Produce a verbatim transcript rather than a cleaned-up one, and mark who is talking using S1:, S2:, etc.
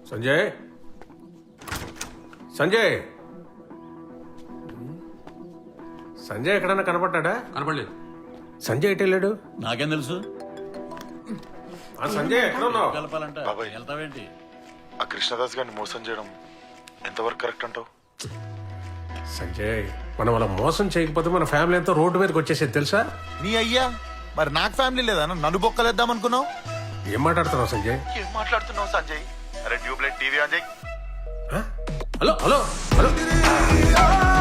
S1: సంజయ్ సంజయ్ సంజయ్ ఎక్కడన్నా కనపడ్డా?
S2: కనపడలేదు.
S1: సంజయ్ ఎటు వెళ్ళాడు?
S3: నాకేం తెలుసు?
S1: ఆ సంజయ్ ఎక్కడ ఉన్నావు?
S3: కలపాలంటే
S4: బాబాయ్.
S3: వెళ్తావేంటి?
S4: ఆ కృష్ణదాస్ గారిని మోసం చేయడం ఎంతవరకు కరెక్ట్ అంటావు?
S1: సంజయ్ మనం అలా మోసం చేయకపోతే మన ఫ్యామిలీ అంతా రోడ్డు మీదకి వచ్చేసేది తెలుసా?
S5: నీ అయ్యా మరి నాకు ఫ్యామిలీ లేదా నన్ను బొక్కలేద్దాం అనుకున్నావు?
S1: ఏం మాట్లాడుతున్నావు సంజయ్?
S5: ఏం మాట్లాడుతున్నావు సంజయ్? అరే ట్యూబ్లైట్ టీవీ ఆన్ చేయి.
S1: ఆ? Hello hello hello